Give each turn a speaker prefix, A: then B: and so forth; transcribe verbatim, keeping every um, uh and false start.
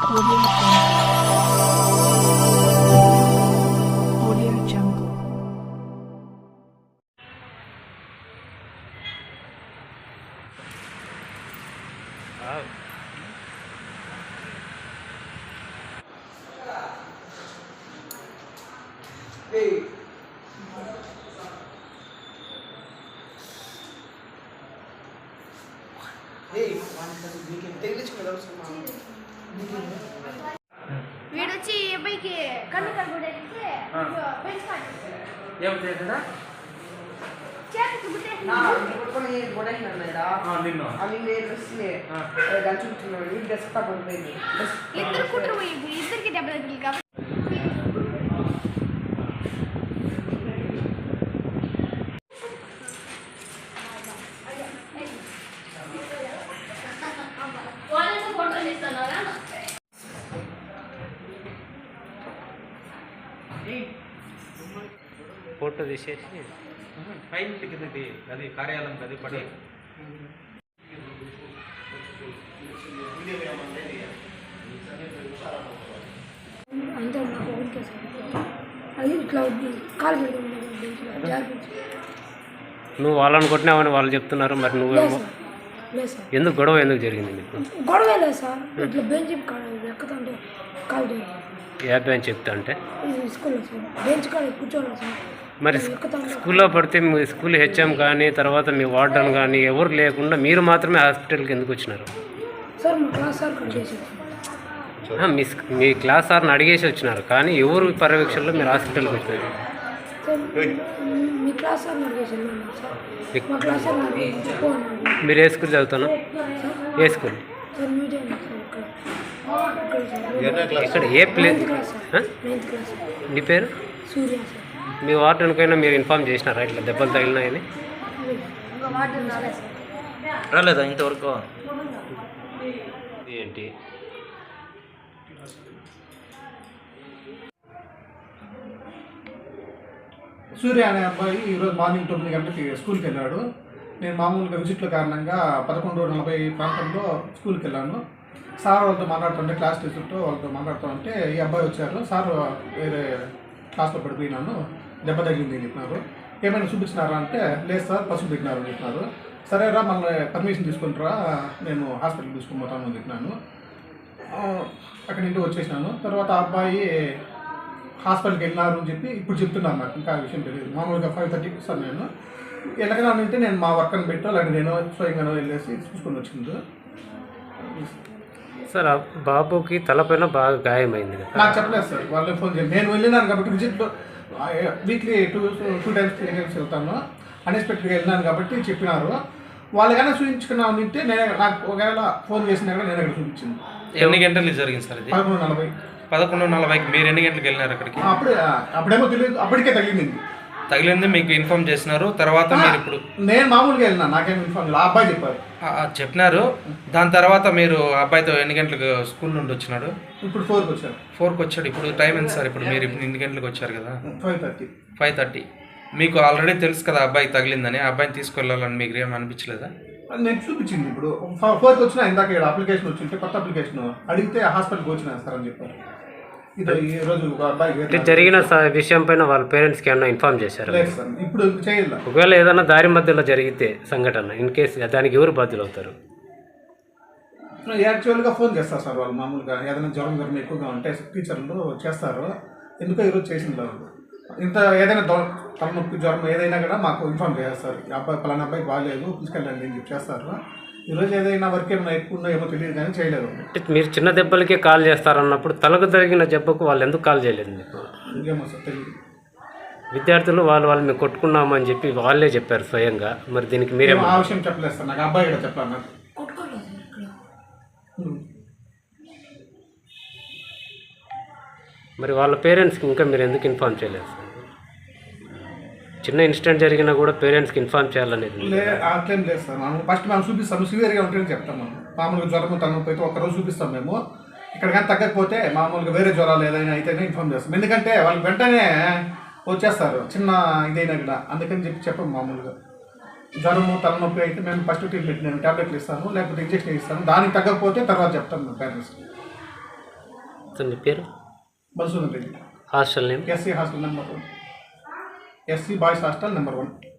A: Hey. Hey,
B: వీడొచ్చి ఈ అబ్బాయికి కన్ను కనబడేస్తే బెంచ్ కార్డ్
A: ఏం చేస్తుందా
B: చేతికి గుట్టేసి
A: కొట్టుకొని గొడవైనా నిన్ను అవి డ్రెస్లే గంచుకుంటున్నాడు డ్రెస్ పడిపోయింది
B: ఇద్దరు కుట్రు పోయింది ఇద్దరికి దెబ్బ తగిలి కాబట్టి
C: ఫోటో తీసేసి
D: ఫైన్ కిందది అది కార్యాలయం అది పడి
E: అంతే నాకు ఓకే సార్ అది ఇట్లా కాలు
C: నువ్వు వాళ్ళని కొట్టినావని వాళ్ళు చెప్తున్నారు. మరి నువ్వేమో
E: లేదు సార్
C: ఎందుకు గొడవ ఎందుకు జరిగింది నీకు?
E: గొడవ లేదు సార్ ఇట్లా బెంచ్ ఎక్కుతుంటే కాలు
C: ఏ బెంచ్ చెప్తా అంటే
E: స్కూల్లో సార్ బెంచ్ కాడ కూర్చోలేదు సార్.
C: మరి స్కూల్లో పడితే మీ స్కూల్ హెచ్ఎం కానీ తర్వాత మీ వార్డన్ కానీ ఎవరు లేకుండా మీరు మాత్రమే హాస్పిటల్కి ఎందుకు వచ్చినారు?
E: సార్ మా క్లాస్ సార్ కట్టేసి
C: మీ మీ క్లాస్ సార్ని అడిగేసి వచ్చినారు కానీ ఎవరు పర్యవేక్షణలో మీరు హాస్పిటల్కి వచ్చినారు?
E: మీ క్లాస్ సార్ అడిగేసి సార్ మా క్లాస్ సార్
C: మీరు ఏ స్కూల్ చదువుతాను? ఏ స్కూల్?
E: సార్ మీడియం
C: ఇక్కడ ఏ ప్లేస్?
E: నైన్త్ క్లాస్
C: నీ పేరు?
E: సూర్య సార్.
C: మీ వార్డెన్కైనా మీరు ఇన్ఫార్మ్ చేసినారా ఇట్లా దెబ్బలు తగిలినాయని?
D: రాలేదా ఇంతవరకు?
C: ఏంటి
F: సూర్య అనే అబ్బాయి ఈరోజు మార్నింగ్ తొమ్మిది గంటలకి స్కూల్కి వెళ్ళాడు. నేను మామూలుగా విజిట్ల కారణంగా పదకొండు నలభై ప్రాంతంలో స్కూల్కి వెళ్ళాను. సార్ వాళ్ళతో మాట్లాడుతుంటే క్లాస్ టీచర్తో వాళ్ళతో మాట్లాడుతుంటే ఈ అబ్బాయి వచ్చారు. సార్ వేరే క్లాస్లో పడిపోయినాను, దెబ్బ తగిలింది అని చెప్పినారు. ఏమైనా చూపించినారా అంటే లేదు సార్ పసుపు పెట్టినారు అని చెప్పినారు. సరేరా మళ్ళీ పర్మిషన్ తీసుకుంటారా నేను హాస్పిటల్కి తీసుకుని పోతాను అని చెప్పినాను. అక్కడి నుండి వచ్చేసినాను. తర్వాత ఆ అబ్బాయి హాస్పిటల్కి వెళ్ళినారు అని చెప్పి ఇప్పుడు చెప్తున్నారు. నాకు ఇంకా ఆ విషయం తెలియదు. మామూలుగా ఫైవ్ థర్టీకి వస్తాను నేను. ఎలాగైనా అంటే నేను మా వర్క్ని పెట్టా అలాగే నేను స్వయంగా వెళ్ళేసి చూసుకొని వచ్చింది.
C: సార్ ఆ బాబుకి తలపైన బాగా గాయమైంది కదా?
F: నాకు చెప్పలేదు సార్, వాళ్ళని ఫోన్ చేయాలి. నేను వెళ్ళినాను కాబట్టి విజిట్లో weekly two two times three times వెళ్తాను. అన్ఎక్స్పెక్టెడ్గా వెళ్ళినాను కాబట్టి చెప్పినారు. వాళ్ళకైనా చూపించుకున్నా ఉంటే నేను నాకు ఒకవేళ ఫోన్ చేసినా కూడా నేను అక్కడ చూపించింది.
D: ఎన్ని గంటలకు జరిగింది సార్ ఇది?
F: పదకొండు నలభై
D: పదకొండు నలభైకి మీరు ఎన్ని గంటలకు వెళ్ళినారు అక్కడికి?
F: అప్పుడే అప్పుడేమో తెలియదు, అప్పటికే తగిలింది.
D: తగిలింది మీకు ఇన్ఫార్మ్ చేసినారు. తర్వాత మీరు ఇప్పుడు
F: నేను మామూలుగా వెళ్ళినా, నాకేం ఇన్ఫార్మ్ లేదు. ఆ అబ్బాయి చెప్పారు
D: చెప్పినారు. దాని తర్వాత మీరు అబ్బాయితో ఎన్ని గంటలకు స్కూల్ నుండి వచ్చినాడు?
F: ఇప్పుడు ఫోర్కి వచ్చారు.
D: ఫోర్కి వచ్చాడు. ఇప్పుడు టైం ఎంత సార్? ఇప్పుడు మీరు ఇప్పుడు ఎన్ని గంటలకు వచ్చారు కదా?
F: ఫైవ్ థర్టీ
D: ఫైవ్ థర్టీ మీకు ఆల్రెడీ తెలుసు కదా అబ్బాయి తగిలిందని. ఆ అబ్బాయిని తీసుకెళ్ళాలని మీకు ఏం అనిపించలేదా?
F: నేను చూపించింది. ఇప్పుడు ఫోర్కి వచ్చినా ఇందాక ఇక్కడ అప్లికేషన్ వచ్చింటే కొత్త అప్లికేషన్ అడిగితే హాస్పిటల్కి వచ్చినా సార్ అని చెప్పారు. ఇది ఈ రోజు అబ్బాయి
C: జరిగిన విషయం పైన వాళ్ళ పేరెంట్స్కి ఏమన్నా ఇన్ఫార్మ్ చేశారు?
F: లేదు సార్, ఇప్పుడు చేయాలి.
C: ఒకవేళ ఏదైనా దారి మధ్యలో జరిగితే సంఘటన ఇన్ కేసు దానికి ఎవరు బాధ్యులు అవుతారు?
F: యాక్చువల్గా ఫోన్ చేస్తారు సార్ వాళ్ళు. మామూలుగా ఏదైనా జ్వరం జ్వరం ఎక్కువగా ఉంటే టీచర్లు చేస్తారు. ఎందుకో ఈరోజు చేసింది ఇంత ఏదైనా తలనొప్పి జ్వరం ఏదైనా కూడా మాకు ఇన్ఫార్మ్ చేస్తారు. అబ్బాయి పలానా అబ్బాయి బాగాలేదు తీసుకెళ్ళండి అని చెప్పి చేస్తారు. ఈరోజు ఏదైనా వర్క్ ఏమైనా ఎక్కువ ఉందో ఏమో తెలియదు కానీ చేయలేదు.
C: మీరు చిన్న దెబ్బలకే కాల్ చేస్తారన్నప్పుడు తలకు తగిన దెబ్బకు వాళ్ళు ఎందుకు కాల్ చేయలేదు మీకు?
F: ఇంకేమో సార్ తెలియదు.
C: విద్యార్థులు వాళ్ళు వాళ్ళు మేము కొట్టుకున్నామని చెప్పి వాళ్ళే చెప్పారు స్వయంగా. మరి దీనికి మీరేమో
F: ఆ విషయం చెప్పలేదు సార్. నాకు అబ్బాయి కూడా చెప్పాను. నాకు
C: మరి వాళ్ళ పేరెంట్స్కి ఇంకా మీరు ఎందుకు ఇన్ఫార్మ్ చేయలేదు సార్? చిన్న ఇన్సిడెంట్ జరిగినా కూడా పేరెంట్స్కి ఇన్ఫార్మ్ చేయాలనేది
F: లేదు. అట్లేం లేదు సార్. మనం ఫస్ట్ మనం చూపిస్తాము, సివియర్గా ఉంటేనే చెప్తాం. మనం మామూలుగా జ్వరం తలనొప్పి అయితే ఒక్కరోజు చూపిస్తాం మేము. ఇక్కడ కానీ తగ్గకపోతే మామూలుగా వేరే జ్వరాలు ఏదైనా అయితేనే ఇన్ఫార్మ్ చేస్తాం. ఎందుకంటే వాళ్ళు వెంటనే వచ్చేస్తారు చిన్న ఇదైనా కూడా. అందుకని చెప్పి చెప్పాము. మామూలుగా జ్వరము తలనొప్పి అయితే మేము ఫస్ట్ ట్రీట్మెంట్ నేను ట్యాబ్లెట్లు ఇస్తాను, లేకపోతే ఇంజక్షన్ ఇస్తాను. దానికి తగ్గకపోతే తర్వాత చెప్తాను పేరెంట్స్కి.
C: మీ పేరు?
F: Balsundar Reddy.
C: Hostel name?
F: SC hostel number one, SC boys hostel number one.